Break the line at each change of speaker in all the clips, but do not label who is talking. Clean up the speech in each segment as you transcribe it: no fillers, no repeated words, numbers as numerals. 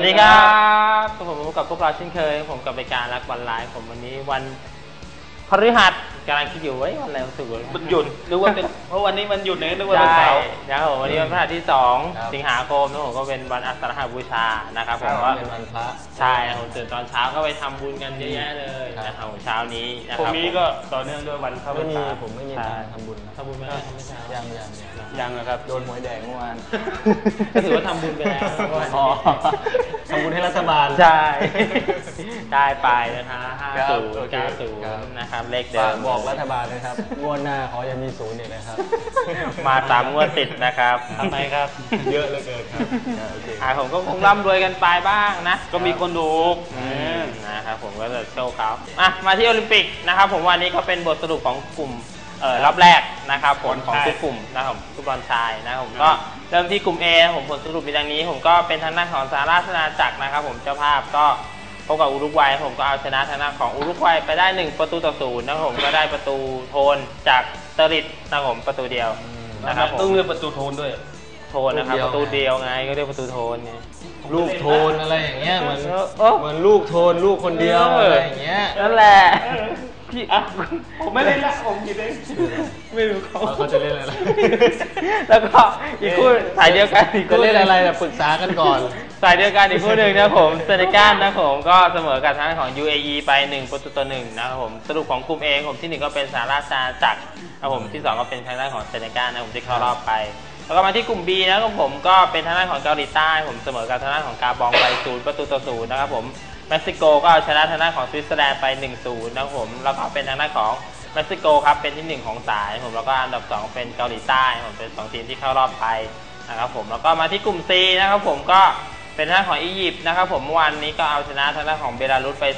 ดีครับผมกับพวกเราเช่นเคยผมกับรายการรักบอลไลฟ์ผมวันนี้วันพฤหัสกำลังคิดอยู่วันอะไรวันศุกร์
มันหยุดนึกว่าเป็นเพราะวันนี้มันหยุดนึกว่าเป็นเสาร์
นะครับผมวันนี้วันพฤหัสที่2 สิงหาคมนะผมก็เป็นวันอาสาฬหบูชานะครับผมก็
เป็นวันพระ
ใช่ผมตื่นตอนเช้าก็ไปทำบุญกันเยอะแยะเลยนะครับเช้านี้นะครับ
พรุ่งนี้ก็ต่อเนื่องด้วยวันเข้าพรรษา
ผมไม่มีการทำบุญ
ทำบุญไม่ได้ทำไม่ใช่
ยัง
นะครับ
โดนหวยแดงเมื่อวาน
ก็ถือว่าทำบุญไปแล้ว
ทำบุญให้รัฐบาล
ใช่ได้ไปนะคะ5090นะครับเลขเดิม
บอกรัฐบาลนะครับงวดหน้าขออย่ามีศูนย์เนี่ยนะครับ
มา3 งวดติดนะครับ
ทำไมครับ
เยอะเหลือเกินครับ
ผมก็คงร่ำรวยกันไปบ้างนะ
ก็มีคนดู
นะครับผมก็จะโชว์เขามาที่โอลิมปิกนะครับผมวันนี้ก็เป็นบทสรุปของกลุ่มรอบแรกนะครับผลของทุกกลุ่มนะครับฟุตบอลชายนะครับผมก็เริ่มที่กลุ่ม A ผมผลสรุปมีดังนี้ผมก็เป็นทางด้านของสหราชอาณาจักรนะครับผมเจ้าภาพก็พบกับอุรุกวัยผมก็เอาชนะทางด้านของอุรุกวัยไปได้1-0นะครับผมก็ได้ประตูโทนจากเตอริดนะครับผมประตูเดียว
นะครับต้องเลือกประตูโทนด้วย
โทนนะครับประตูเดียวไงก็เรียกประตูโทนไง
ลูกโทนอะไรอย่างเงี้ยเหมือนลูกโทนลูกคนเดียวอะไรอย่างเงี้ย
นั่นแหละ
พี่ผมไม่เล่นละผมคิดเองไม่รู้
เขาจะเล่นอะไร
แล้วก็อีกคู่สายเดียวกันอีก
จะเล่นอะไรปรึกษากันก่อน
สายเดียวกันอีกคู่หนึ่งนะผมเซเนกัลนะผมก็เสมอกับทางของ UAE ไป1-1นะครับผมสรุปของกลุ่ม A ผมที่1ก็เป็นสหราชอาณาจักรนะผมที่2ก็เป็นทางด้านของเซเนกัลนะผมที่เข้ารอบไปแล้วก็มาที่กลุ่ม B นะครับผมก็เป็นทางด้านของเกาหลีใต้ผมเสมอกับทางด้านของกาบองไป0-0นะครับผมเม็กซิโกก็เอาชนะทางด้านของสวิตเซอร์แลนด์ไป1-0นะครับผมแล้วก็เป็นทางด้านของเม็กซิโกครับเป็นที่1ของสายผมแล้วก็อันดับ2เป็นเกาหลีใต้ผมเป็น2ทีมที่เข้ารอบไปนะครับผมแล้วก็มาที่กลุ่ม C นะครับผมก็เป็นทางด้านของอียิปต์นะครับผมเมื่อวานนี้ก็เอาชนะทางด้านของเบลารุสไป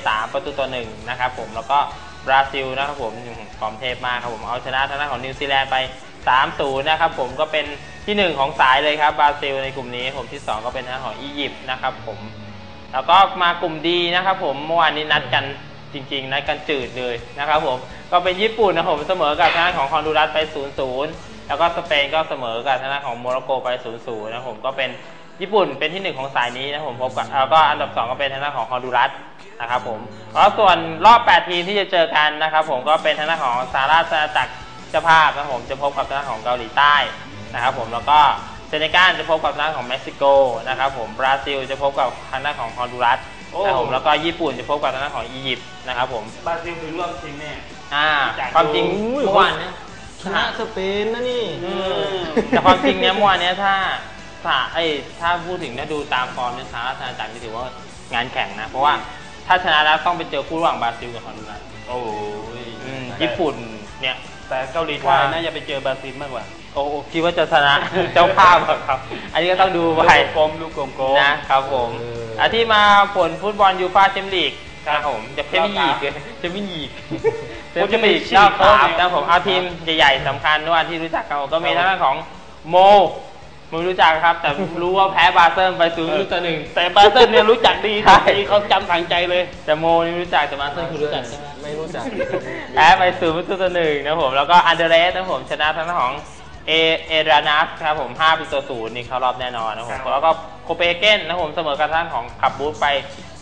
3-1นะครับผมแล้วก็บราซิลนะครับผมฟอร์มเทพมากครับผมเอาชนะทางด้านของนิวซีแลนด์ไป3-0นะครับผมก็เป็นที่1ของสายเลยครับบราซิลในกลุ่มนี้ผมที่2ก็เป็นทางด้านของอียิปต์นะครับผมแล้วก็มากลุ่มดีนะครับผมเมื่อวานนี้นัดกันจริงๆนัดกันจืดเลยนะครับผมก็เป็นญี่ปุ่นนะผมเสมอกับทางด้านของฮอนดูรัสไป0-0แล้วก็สเปนก็เสมอกับทางด้านของโมร็อกโกไป0-0นะผมก็เป็นญี่ปุ่นเป็นที่1ของสายนี้นะผมพบกับแล้วก็อันดับ2ก็เป็นทางด้านของฮอนดูรัสนะครับผมแล้วส่วนรอบ8ทีมที่จะเจอกันนะครับผมก็เป็นทางด้านของสหราชอาณาจักรเจ้าภาพนะผมจะพบกับทางด้านของเกาหลีใต้นะครับผมแล้วก็เซเนกัลจะพบกับทางด้านของเม็กซิโกนะครับผมบราซิลจะพบกับทางด้านของฮอนดูรัสนะครับผมแล้วก็ญี่ปุ่นจะพบกับทางด้านของอียิปต์นะครับผม
บราซิลถึงรอบชิงแน่
ความจริงเมื่อวานนี้
ชนะสเปนนะนี่
แต่ความจริงเนี่ยเมื่อวานนี้ถ้าพูดถึงถ้าดูตามฟอร์มในสหราชอาณาจักรถือว่างานแข่งนะเพราะว่าถ้าชนะแล้วต้องไปเจอคู่ระหว่างบราซิลกับฮอนดูรัส
โอ้ย
ญี่ปุ่นเนี่ย
แต่เกาหลีใต้น่าจะไปเจอบราซิลมากกว่า
โอ้คิดว่าจะชนะเจ้าภาพครับอันนี้ก็ต้องดูไป
ลูกกลม
นะครับผมที่มาผลฟุตบอลยูฟ่าแชมเปี้ยนลีกครับผมจะเพิ่มอีกจะไม่อีกจะมีรอบ3นะผมเอาทีมใหญ่ๆสำคัญด้วยที่รู้จักกันก็มีทางด้านของโมไม่รู้จักครับแต่รู้ว่าแพ้บาเซิลไป0-1
แต่บาเซิลเนี่ยรู้จักดีเขาจำฝังใจเลย
แต่โมนี่รู้จักแต่บาเซิลคุณรู้จักใช่ไหม
ไม่รู้จัก
แพ้ไป0-1นะผมแล้วก็อันเดเรสนะผมชนะทางด้านของเอรานัสครับผม5-0นี่เข้ารอบแน่นอนนะผมแล้วก็โคเปเกนนะผมเสมอกับทางของขับบูธไป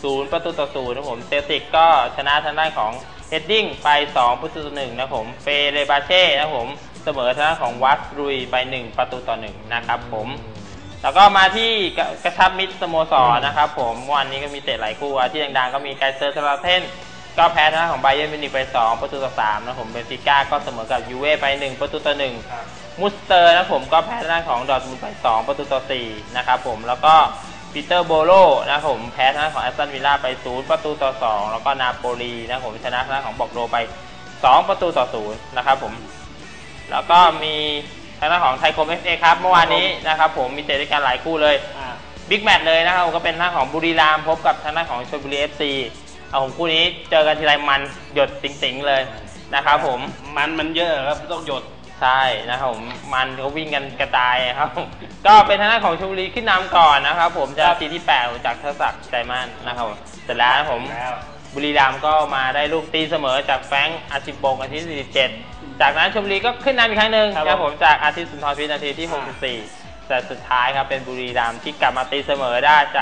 0-0นะผมเซลติกก็ชนะทางด้านของเฮดดิ้งไป2-1นะผมเฟเรบาเช่นะผมเสมอทางด้านของวัสรุยไป1-1นะครับผมแล้วก็มาที่กระชับมิตรสโมสรนะครับผมวันนี้ก็มีเตะหลายคู่ที่ดังๆก็มีไกเซอร์ทราเทนก็แพ้ทางด้านของไบเยิร์นมิวนิกไป2-3นะผมเบนฟิก้าก็เสมอกับยูเว่ไป1-1มุสเตอร์นะผมก็แพ้ทางด้านของดอร์ทมุนด์ไป2-4นะครับผมแล้วก็ปีเตอร์โบโลนะผมแพ้ทางด้านของแอสตันวิลล่าไป0-2แล้วก็นาโปลีนะผมชนะทางด้านของบอกโรไป2-0นะครับผมแล้วก็มีทางด้านของไทยคม FA ครับเมื่อวานนี้นะครับผมมีเตะด้วยกันหลายคู่เลยบิ๊กแมตช์เลยนะครับก็เป็นทางด้านของบุรีรัมย์พบกับทางด้านของชลบุรี FCผมคู่นี้เจอกันทีไรมันหยดติ๋งๆเลยนะครับผม
มันเยอะครับต้องหยด
ใช่นะครับผมมันเขาวิ่งกันกระจายครับก็เป็นทางด้านของชลบุรีขึ้นนำก่อนนะครับผมจะทีที่8จากเทศศักดิ์ใจมั่นนะครับเสร็จแล้วผมบุรีรัมย์ก็มาได้ลูกตีเสมอจากแฟรงค์อาชิบงนาที47จากนั้นชลบุรีก็ขึ้นนำอีกครั้งหนึ่งครับผมจากอาทิตย์สุนทรพิษนาทีที่64แต่สุดท้ายครับเป็นบุรีรัมย์ที่กลับมาตีเสมอได้จาก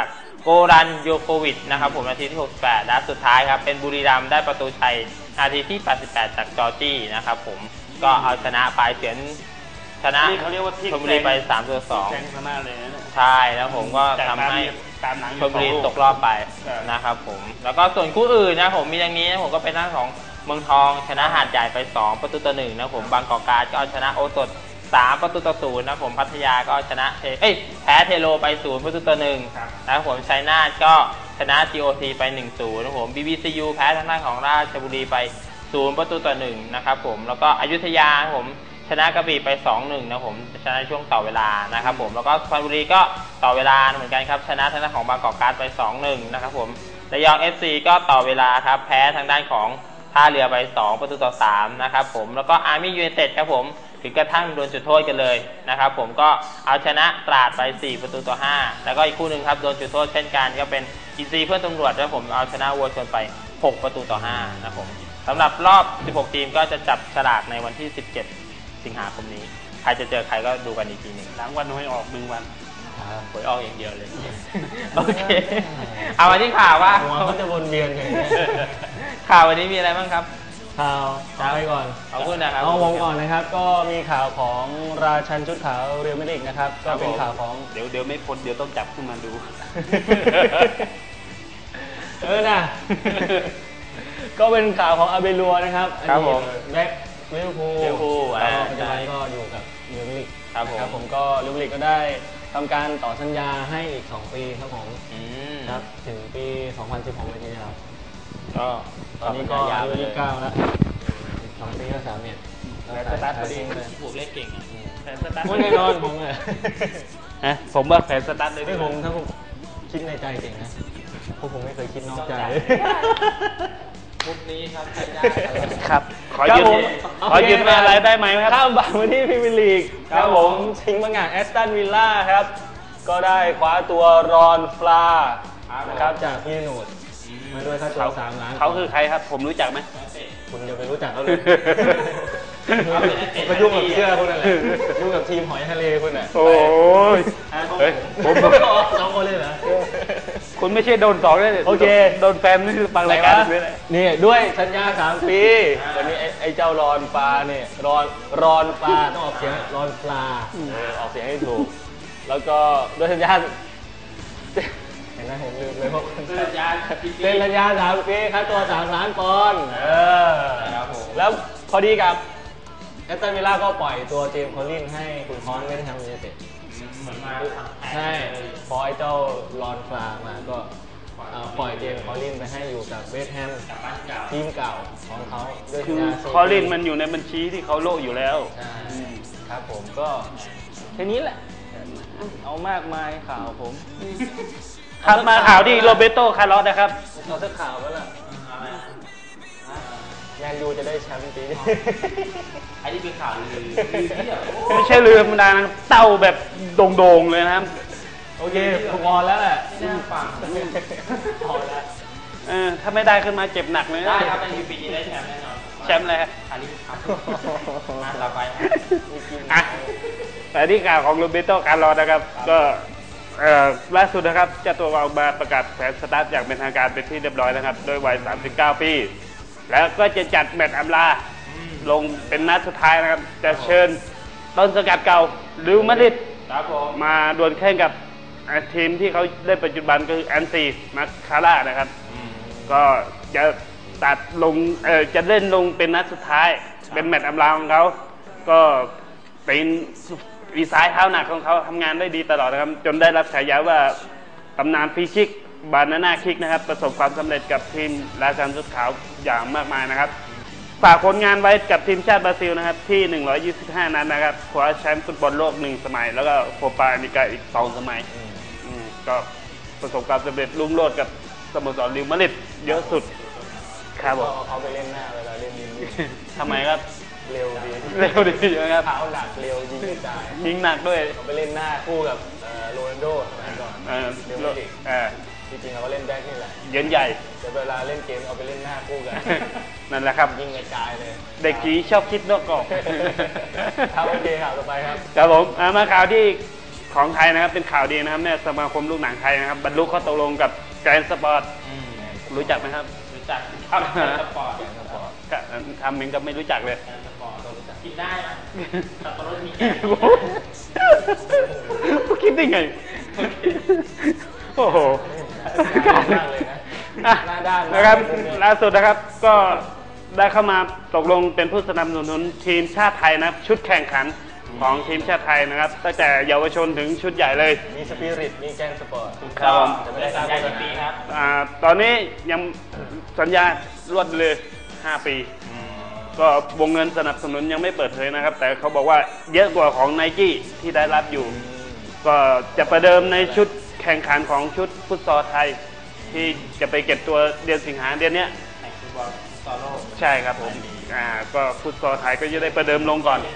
โกรันโยโควิชนะครับผมนาทีที่68และสุดท้ายครับเป็นบุรีรัมย์ได้ประตูชัยนาทีที่88จากจอร์จี้นะครับผมก็เอาชนะไปเฉือนชนะ
นี่เขาเรียกว่าพลิก
ชลบุรีไป3-2
แซงชนะเลยนะ
ใช่แล้วผมก็ทำให้
ตามหลัง
ชลบุรีตกรอบไปนะครับผมแล้วก็ส่วนคู่อื่นนะผมมีอย่างนี้นะผมก็เป็นทางของเมืองทองชนะหาดใหญ่ไป2-1นะผมบางกอกการก็เอาชนะโอสถ3-0นะผมพัทยาก็ชนะแพ้เทโลไป0-1นะครับผมชัยนาทก็ชนะ GOT ไป 1-0นะผม BBCU แพ้ทางด้านของราชบุรีไป0-1นะครับผมแล้วก็อยุธยาผมชนะกระบี่ไป 2-1นะผมชนะช่วงต่อเวลานะครับผมแล้วก็สุพรรณบุรีก็ต่อเวลาเหมือนกันครับชนะทางด้านของบางกอกการ์ดไป 2-1นะครับผมระยอง FC ก็ต่อเวลาครับแพ้ทางด้านของท่าเรือไป2-3นะครับผมแล้วก็อาร์มี่ยูไนเต็ดครับผมถึงกระทั่งโดนจุดโทษกันเลยนะครับผมก็เอาชนะตราดไป4-5แล้วก็อีกคู่หนึ่งครับโดนจุดโทษเช่นกันก็เป็นอินซีเพื่อนตำรวจแล้วผมเอาชนะวัวชนไป6-5นะครับผมสำหรับรอบ16ทีมก็จะจับฉลากในวันที่17สิงหาคมนี้ใครจะเจอใครก็ดูกันอีกทีหนึ่ง
หลังวันหวยออก1 วัน
หวยออกอย่างเดียวเลย โอเคเอามาที่ข่าวว่า
หัวเขาจะวนเวียนกันอย่างเงี้ย
ข่าววันนี้มีอะไรบ้างครับ
ข่าวเอาไปก่อน
เอาพูดนะครับ
เอาผมก่อนนะครับ ก็มีข่าวของราชันชุดขาวเรอัลมาดริดนะครับ ก็เป็นข่าวของ
เดี๋ยวไม่พ้นเดี๋ยวต้องจับขึ้นมาดู
นะ ก็เป็นข่าวของอาเบลัวนะครับ
ครับผม
แบ็คลิเวอร์พูล
ลิเวอร์พูล
แล้วก็ปัจจุบันก็อยู่กับเรอัลมาดริด
ครับผม
ก็เรอัลมาดริดก็ได้ทำการต่อสัญญาให้อีก 2 ปีครับผม ครับถึงปี 2016เลยทีเดียว
ก็
ตอนนี้ก็
ยาว
อา
ไป
ยุ
เลย
29แล้วอีก2 ปีก็3เมตร
แล้วสตาร์ทพอดี
ผูกเลขเก่งอะ
แผนสตาร์ท
ไม่แน่นอนผมเลย
ฮะผมว่าแผนสตาร์ทเลย
ไม่ผมถ้าผมคิดในใจเก่งนะพวกผมไม่เคยคิดนอกใจ
มุกนี้ครับใช้ได้
ครับ ขอ
ครับ
ยืม
ผม
ขอยืมอะไรได้ไหมครับ
ข้ามบางมาที่พรีเมียร์ลีกครับผมชิงบางงานแอสตันวิลล่าครับ ก็ได้คว้าตัวรอนฟลานะครับจากพี่หนูดมาด้วยค่าตัว3 ล้าน
เขาคือใครครับ ผมรู้จักไหม
คุณจะไปรู้จักเขาเลยไปยุ่งกับเสื้อคุณนั่นแหละยุ่งกับทีมหอยทะเลคุณน่ะ
โอ้ย เฮ้ยผม
สองคนเลยเหรอ
คุณไม่ใช่โดน2เลย
โอเค
โดนแฟนนี่คือฟังรายการด้วยนะ
นี่ด้วยสัญญา3 ปีตอนนี้ไอ้เจ้ารอนปลาเนี่ยรอนปลาต้องออกเสียงรอนปลาออกเสียงให้ถูก แล้วก็ด้วยสัญญาเห็นไหมผมลืมเลยเพราะ
สัญญา
เซ็นสัญญา3 ปีค่าตัว3 ล้านปอนด์
ครับผม
แล้วพอดีกับแอสตันวิลล่าก็ปล่อยตัวเจมส์คอลลินให้คุณคอนไม่ได้ทำยูไนเต็ด
เหมือนมา
ใช่พอไอ้เจ้ารอนฟลามาก็ปล่อยเจมส์คอลลินไปให้อยู่กับเวสต์แฮมทีมเก่าของเขาด้วยสั
คื
ญ
อ
ญา
คอลินมันอยู่ในบัญชีที่เขาโลกอยู่แล้ว
ใช่ครับผมก็แค่นี้แหละ เอามากมายข่าวผม
ครับมาข่าวที่โรเบโตคาร์ลอสนะครับ
เอาสักข่าวก็ล่ะแมนยูจะได้แชมป์ปีนี้
อันนี้เป็นข่าวลือที่แบบ
ไม่ใช่เรือธรรมดานะเต้าแบบโด่งๆเลยนะครับ
โอเคผมออนแล้วแหละ
น่าฟัง
ออนแล้ว
ถ้าไม่ได้ขึ้นมาเจ็บหนักเลยนะ
ได้ครับในปีนี้ได้แชมป์แน่นอน
แชมป์เลยครับ
อันนี้ครับต่อไป
อ่ะแต่ที่ข่าวของโรเบโตคาร์ลอสนะครับ ก็ล่าสุดนะครับเจ้าตัวออกมาประกาศแผนสตาร์ทอย่างเป็นทางการเป็นที่เรียบร้อยนะครับโดยวัย 39 ปี แล้วก็จะจัดแมตช์อำลาลงเป็นนัดสุดท้ายนะครับ จะเชิญต้นสกัดเก่าเรอัลมาดริด
ครับผม
มาดวลแข่งกับทีมที่เขาเล่นปัจจุบันก็คือแอนซีมาคาร่านะครับ ก็จะตัดลงจะเล่นลงเป็นนัดสุดท้าย เป็นแมตช์อำลาของเขาก็เป็นวีซ้ายเท้าหนักของเขาทำงานได้ดีตลอดนะครับ จนได้รับฉายาว่าตำนานฟรีคิกบานาน่าคิกนะครับ ประสบความสำเร็จกับทีมราชันชุดขาวอย่างมากมายนะครับ ฝากผลงานไว้กับทีมชาติบราซิลนะครับที่ 125 นัดนะครับคว้าแชมป์ฟุตบอลโลก1 สมัย แล้วก็โคปาอเมริกาอีก2 สมัยก็ประสบความสำเร็จรุ่งโรจน์กับสโมสรเรอัลมาดริดเยอะสุดครับผม
เขาไปเล่นหน้าเวลาเล่นยิง
ทำไมครับ
เร็วดี
เร็วดีนะครับ
เท้าหนักเร็วยิงกระจาย
ยิงหนักด้วย
เขาไปเล่นหน้าคู่กับโรนัลโดสมัยก่อน
เออ
เรอัลมาดริด
เออ
จริงๆเขาก็เล่นแบ็คนี่แหละ
เย็นใหญ่
แต่เวลาเล่นเกมเอาไปเล่นหน้าคู่กัน
นั่นแหละครับ
ยิงกระจายเลย
เด็กผีชอบคิดนอกกรอบ
ครับโอเคข่าวต่อไปครับ
ครับผมมาข่าวที่ของไทยนะครับเป็นข่าวดีนะครับเนี่ยสมาคมลูกหนังไทยนะครับบรรลุข้อตกลงกับแกรนด์สปอร์ตรู้จักไหมครับ
รู้จักครับสปอร์ต
ก็ทำเองก็ไม่รู้จักเลย
สปอร์ตรู้จักกินได้ไหมสับปะรดมีแกง
คิดได้ไงโอ้โห
มากเลยนะ
อ่ะ
หน้าด้าน
นะครับล่าสุดนะครับก็ได้เข้ามาตกลงเป็นผู้สนับสนุนทีมชาติไทยนะครับชุดแข่งขันของทีมชาติไทยนะครับตั้งแต่เยาวชนถึงชุดใหญ่เลย
มีสปิริตมีแกงสปอร์ต
ครับผม
จะไม่ได้สัญญากี่ปีครับ
ตอนนี้ยังสัญญารวดเลย 5 ปี ก็วงเงินสนับสนุนยังไม่เปิดเผยนะครับ แต่เขาบอกว่าเยอะกว่าของไนกี้ที่ได้รับอยู่ ก็จะประเดิมในชุดแข่งขันของชุดฟุตซอลไทย ที่จะไปเก็บตัวเดือนสิงหาเดือนเนี้ย
แข่งฟุตบอลฟุตซอลโลก
ใช่ครับผมก็ฟุตซอลไทยก็จะได้ประเดิมลงก่อน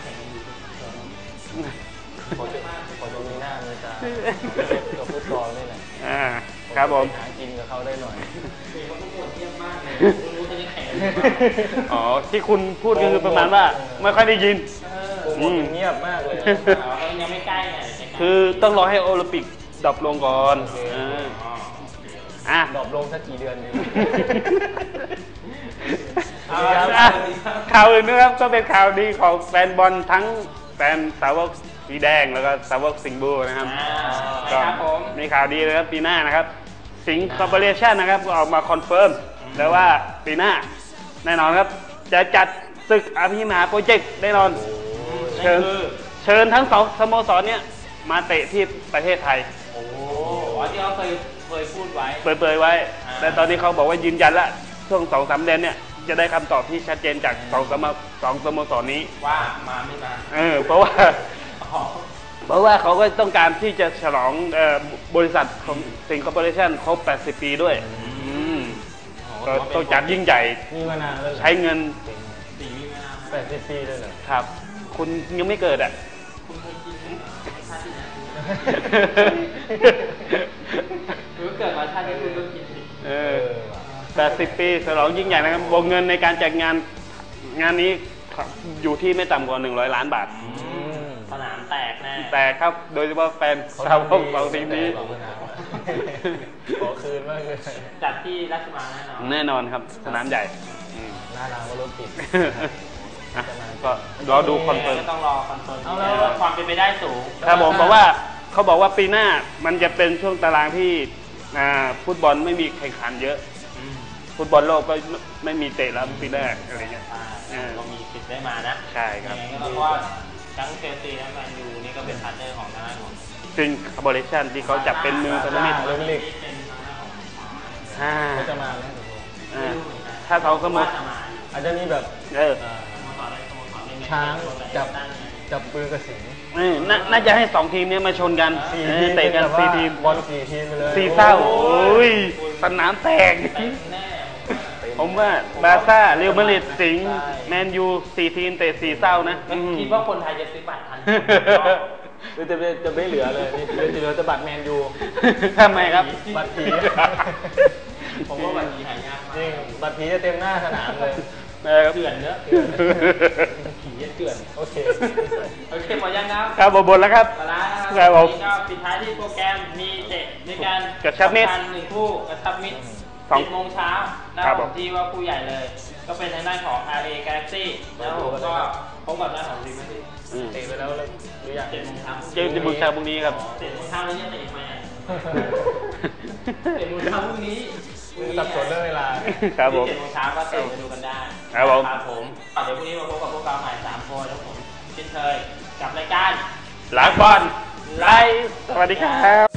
พอจะมีหน้ามีตากับฟุตบอลนี่แหละ
ครับผม
หากินกับเขาได้หน่อย
เขาทุกคนเยี่ยมมากเลยรู้จะได้แข่ง
อ๋อที่คุณพูดก็คือประมาณว่าไม่ค่อยได้ยิน
โอ้โหเงียบมากเลย
เขายังไม่ใกล้ไง
คือต้องรอให้โอลิมปิกดรอปลงก่อนอ่ะ
ดรอปลงสักกี่เดือนดี
ข่าวอื่นนะครับก็เป็นข่าวดีของแฟนบอลทั้งแฟนสาวกสีแดงแล้วก็สาวกสิงห์บูนะครับก็
ครับผม
มีข่าวดีนะครับปีหน้านะครับสิงห์คอร์ปอเรชั่นนะครับก็ออกมาคอนเฟิร์มแล้วว่าปีหน้าแน่นอนครับจะจัดศึกอภิมหาโปรเจกต์แน่นอนเชิญทั้งสองสโมสรเนี่ยมาเตะที่ประเทศไทย
โอ้โหที่เขาเคยพูดไว้
เปิดไว้แต่ตอนนี้เขาบอกว่ายืนยันละช่วง 2-3 เดือนเนี่ยจะได้คำตอบที่ชัดเจนจากสองสโมสรนี้
ว่ามาไม่มา
เพราะว่าเขาก็ต้องการที่จะฉลองบริษัทของสิงห์คอร์ปอเรชั่นครบ 80 ปีด้วยก็ต้องจัดยิ่งใหญ่
มีมานานแล้วเหรอ
ใช้เงิน
สีวิมาน
80 ปีเลยเหรอ
ครับ คุณยังไม่เกิดอ่ะ
คุณเคยกินไหมชาติที่ไหนคุณเกิดมาชาติที่คุณก็กินสิ
80 ปีฉลองยิ่งใหญ่นะครับวงเงินในการจัดงานนี้อยู่ที่ไม่ต่ำกว่า100 ล้านบาท
สนามแตกแน่
แต่ครับโดยเฉพาะแฟนสาวกของทีมนี้
ขอคืนมากเลย
จัดที่ราชมังแน่นอน
แน่นอนครับสนามใหญ่
หน้าร้านก็รถติด
ก็รอดูคอนเฟิร์ม
ก็ต้องรอคอนเฟิร์มว่าความเป็นไปได้สูง
ครับผมเพราะว่าเขาบอกว่าปีหน้ามันจะเป็นช่วงตารางที่ฟุตบอลไม่มีแข่งขันเยอะ ฟุตบอลโลกก็ไม่มีเตะแล้วปีแรกอะไรเงี้ย
ก็มีสิทธิ์ได้มานะ
ใช่ครับ
เพราะว่าทั้งเชลซีและแมนยูนี่ก็เป็นพาร์ทเนอร์ของทางด้านของ
ซึ่งคอร์ปอเรชั่นที่เขาจับเป็นมือพันธมิตร
เรื่องเล็ก
เป็นทางด้านของ
เขาจะมาไหม
ถ้าเขาสมมติ
อาจจะมีแบบ ช้างจับปืนกระสิง
น่าจะให้2 ทีมเนี้ยมาชนกันเตะกัน4 ทีม
บอล4 ทีมไปเลย
4 เศร้าโอ้ยสนามแตก
แน่
ผมว่าบาร์ซ่าเรอัลมาดริดสิงห์แมนยู4 ทีมเตะ4 เศร้านะ
คิดว่าคนไทยจะซื้อบัตรทัน
จะไม่เหลือเลยนี่จะเหลือแต่บัตรแมนยู
ทำไมครับ
บัตรผี
ผมว่าบัตรนี้หายากมาก
จริงบัตรผีจะเต็มหน้าสนามเลย
เถื่อนเนอะผีเถื่อน
โอเค
โอเคหมดยังครับ
ครับบนแล้วครับ
ปลาร้า
ครับผม
ก็ปิดท้ายที่โปรแกรมมีเตะในการ
กระชับมิตร
หนึ่งคู่กระชับมิตร 10 โมงเช้านะ
ค
ค
รั
รั
บบ ผม
ที่ว่าคู่ใหญ่เลย ก็เป็นทางด้านของ RA Galaxy แล้วผมก็พบกับทางด้านของทีมที่
เตะไปแล้วหรือยัง
7 โมงเช้า
เจอที่บุกชาพรุ่งนี้ครับ
7 โมงเช้าแล้วยังเตะอีกไหม7 โมงเช้าพรุ่งนี้
สับสนเรื่องเวลา
ครับผม
7 โมงเช้าก็เตะไปดูกันได้
ครับผม
ครับผมเดี๋ยวพรุ่งนี้มาพบกับพวกเราใหม่3 คนแล้วผมเช่นเคยกับรายการ
หลังบอลไลฟ์สวัสดีครับ